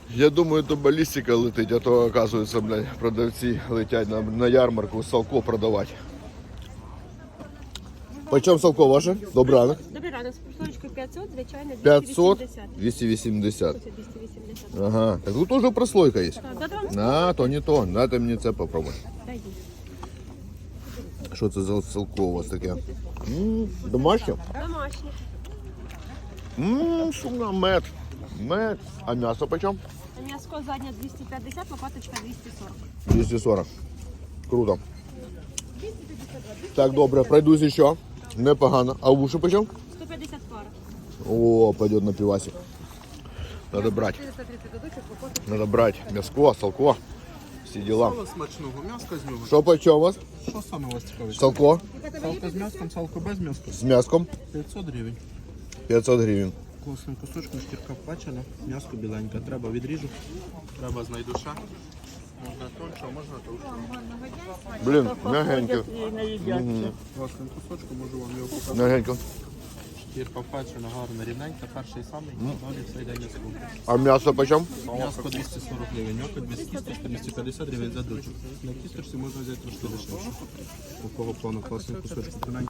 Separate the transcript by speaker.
Speaker 1: Я думаю, то балістика летить, а то, оказується, блядь, продавці летять на ярмарку салко продавати. Почем салко ваше? Добрий ранок.
Speaker 2: Добрий ранок, з прослоєчкою 500, звичайно,
Speaker 1: 500,
Speaker 2: 280.
Speaker 1: 280.
Speaker 2: 280.
Speaker 1: Ага, так тут уже прослойка є.
Speaker 2: Так, да, вам
Speaker 1: На, то не то. Дайте мені це попробуй.
Speaker 2: даю.
Speaker 1: Що це за салко у вас таке? Домашнє?
Speaker 2: Домашні.
Speaker 1: Шумно, мед. Мед. А м'ясо почем?
Speaker 2: М'яско задня 250, лопаточка 240.
Speaker 1: 240. Круто. Так, добре, пройдусь ще. Непогано. А уші почем?
Speaker 2: 150 пара.
Speaker 1: О, пойдет на пивасик. Надо брать. Надо брать мяско, салко. Всі діла.
Speaker 3: Сало смачного, м'яска з нього.
Speaker 1: Що почем у вас?
Speaker 3: Що саме у вас цікавить?
Speaker 1: Салко
Speaker 3: Салко з м'яском, салко без м'яска.
Speaker 1: з м'яском
Speaker 3: 500 гривень.
Speaker 1: 500 гривень.
Speaker 3: Класним кусочком, шкірка впачена, м'яско біленьке. Треба відріжу, треба знайду ще. Можна тонше, а можна товще.
Speaker 1: Блін, мягенько.
Speaker 3: Класним кусочком можу вам його показати.
Speaker 1: Мягенько.
Speaker 3: Шкірка впачена, гарна, рівненька. Перший самий, далі все йде м'яско.
Speaker 1: А м'ясо почем?
Speaker 3: М'яско 240 гривень, ньоко 200, 250 гривень за дочок. На кісточці можна взяти трошки дешевше. Такого плану класний кусочок.